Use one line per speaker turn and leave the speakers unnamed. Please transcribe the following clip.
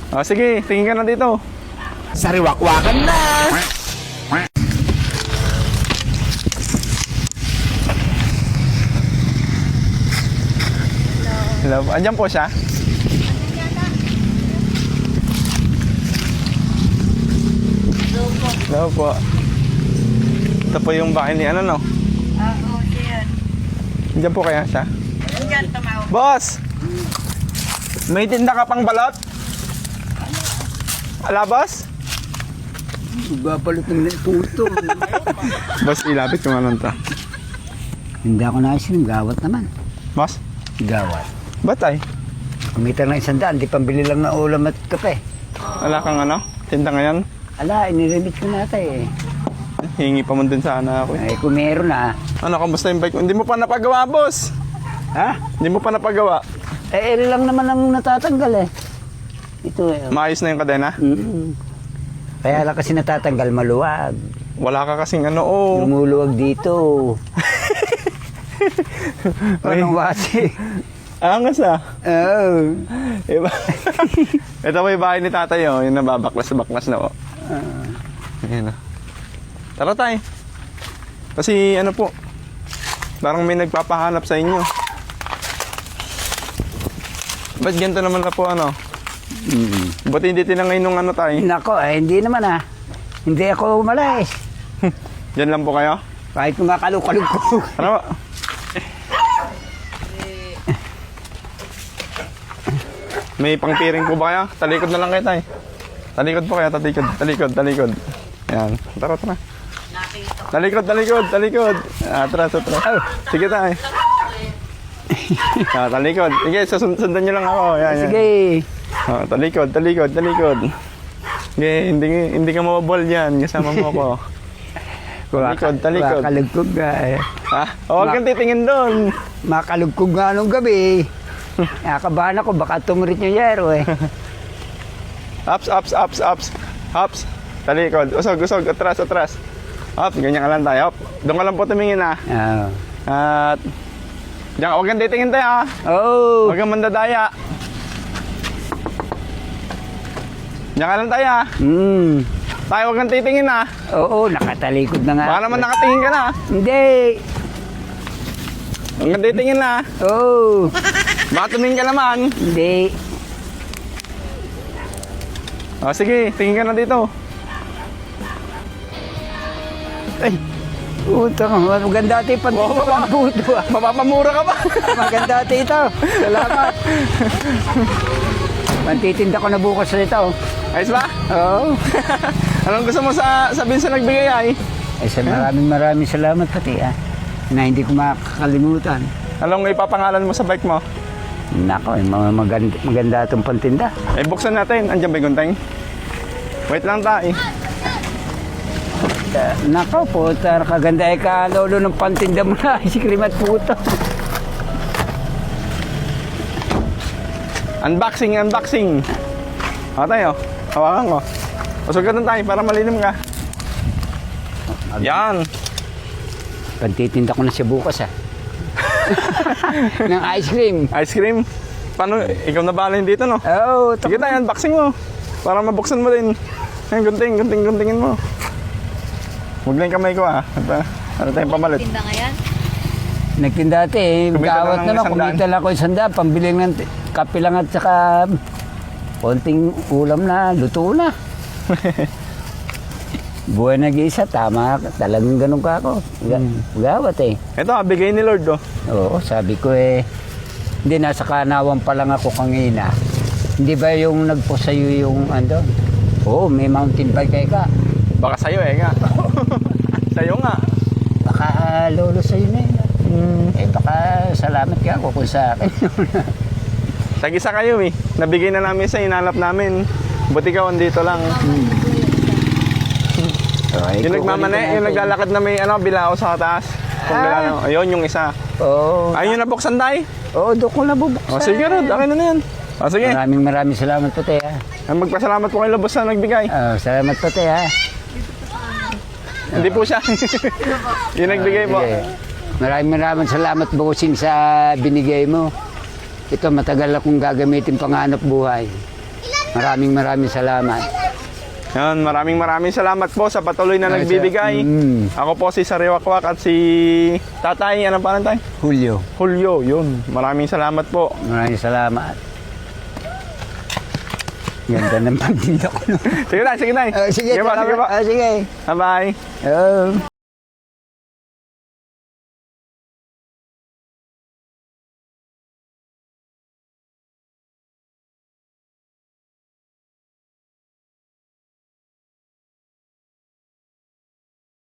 O sige, tingin ka na dito.
Sariwakwakan na!
Hello, andyan po siya. Hello po. Ito po yung bahay ni ano, no?
Oo, yan.
Andyan po kaya siya.
Diyan, tumawag.
Boss! May tinda ka pang balot? Ala, boss?
Babalot ng puto.
Boss, ilapit ko nga lang ta.
Hindi ako naisin, gawat naman.
Boss?
Gawat.
Ba't ay?
Kumita ng 100, di pambili lang ng ulam at kape.
Wala kang ano? Tinda ngayon?
Ala, iniremit ko na tayo eh.
Hingi pa mo din sana ako.
Ay, kung meron na.
Ano, kamusta yung bike mo? Hindi mo pa napagawa, boss.
Ha?
Hindi mo pa napagawa.
Eh, lang naman ang natatanggal eh. Ito eh.
Maayos na yung kadena?
Kaya lang kasi natatanggal, maluwag.
Wala ka kasing ano, oh.
Lumuluwag dito. Anong wasi?
Angas ah.
Oo.
Iba. Ito po yung bahay ni tatay, oh. Yung nababaklas-baklas na, oh. Ayan, oh. Tara tayo. Kasi ano po, parang may nagpapahanap sa inyo. Ba't ganito naman na po, ano? Ba't hindi tinangay nung ano tayo?
Nako, eh, hindi naman ah. Hindi ako umalis.
Diyan lang po kayo?
Kahit kumakalog-kalog ko.
Ano ba? May pangpiring po ba kayo? Talikod na lang kayo tayo. Talikod po kayo, talikod. Yan, tara. Talikod. Atras. Sige tayo. Talikod. Sige, sundan nyo lang ako. Yan.
Sige.
Talikod. Sige, hindi ka mababol dyan. Kasama mo ako. Talikod.
Makalugkog nga eh.
Ha? Huwag kang titingin doon.
Makalugkog nga nung gabi. Nakabahan ako, baka tumurit yung yero eh.
Ups. Talikod. Usog. Atras. Up, ganyan ka lang tayo. Up. Doon ka lang po tumingin ah.
Oo.
At diyan, huwag kang titingin tayo ah.
Oh.
Huwag kang mandadaya. Diyan ka lang tayo ah. Tayo huwag kang titingin ah.
Oo, nakatalikod na nga.
Baka naman nakatingin ka na ah.
Hindi.
Huwag kang titingin na ah.
Oo.
Baka tumingin ka naman.
Hindi.
O sige, tingin ka na dito.
Ay. Puto, maganda ito yung puto ah.
Mapapamura ka pa.
Maganda ito. Salamat. Pantitinda ko na bukas nito.
Ayos ba?
Oo.
Anong gusto mo sabihin sa nagbigay ay?
Ay, maraming salamat pati ah. Na hindi ko makakalimutan.
Anong ipapangalan mo sa bike mo?
Nako, maganda itong pantinda.
Eh, buksan natin. Andiyan ba yung gunting? Wait lang tayo.
Nako po, kaganda ay kalolo ng pantinda mo na. Si Krimat puto.
Unboxing. O tayo. Hawakan ko. Usugan tayo para malinim ka. Yan.
Pantitinda ko na siya bukas ah. Ng ice cream.
Ice cream. Paano? Ikaw na bahala dito, no?
Oo.
Sige tayo, unboxing mo. Para mabuksan mo din. Ayun, guntingin mo. Huwag na yung kamay ko, ah. Ano tayong pamalit?
Tinda nga yan.
Nagtinda ate eh.
Kumita
Gawat
lang ng
naman.
100.
Kumita lang ako 100. Pambili ng kape lang at saka konting ulam na. Luto na. Buhay nag-iisa. Tama. Talagang ganun ka ako. Gawat eh.
Ito, bigay ni Lord, oh.
Oo, sabi ko eh. Hindi, nasa kanawan pa lang ako kanina. Hindi ba yung nagpo sa'yo yung ano? Oo, may mountain bike ka.
Baka sa'yo, eh, nga. Sa'yo nga.
Baka lolo sa'yo na yun. Eh baka salamat ka ako kung sa akin.
Tag-isa kayo, eh. Nabigay na namin sa inalap namin. Buti ka, andito lang. Yung nagmamane, yung naglalakad na may bilao sa taas. Ayun, yung isa.
Oo.
Ayun yung nabuksan tayo.
Oo, doon ko nabubuksan.
O sige, Rod. Akin na yan. O sige.
Maraming salamat po, te, ha.
Magpasalamat po kay Lobos na nagbigay.
Salamat po, te, ha.
Hindi po siya. Yung nagbigay po.
Sige. Maraming salamat, bossing, sa binigay mo. Ito, matagal akong gagamitin panganap buhay. Maraming salamat.
Yan, maraming salamat po sa patuloy na nagbibigay. Ako po si Sariwakwak at si Tatay, ano pa tayo?
Julio.
Julio, yun. Maraming salamat po.
Maraming salamat. Ganda naman din ako.
Sige tayo, sige tayo.
Sige,
po, sige po.
sige.
Bye-bye.
Oh.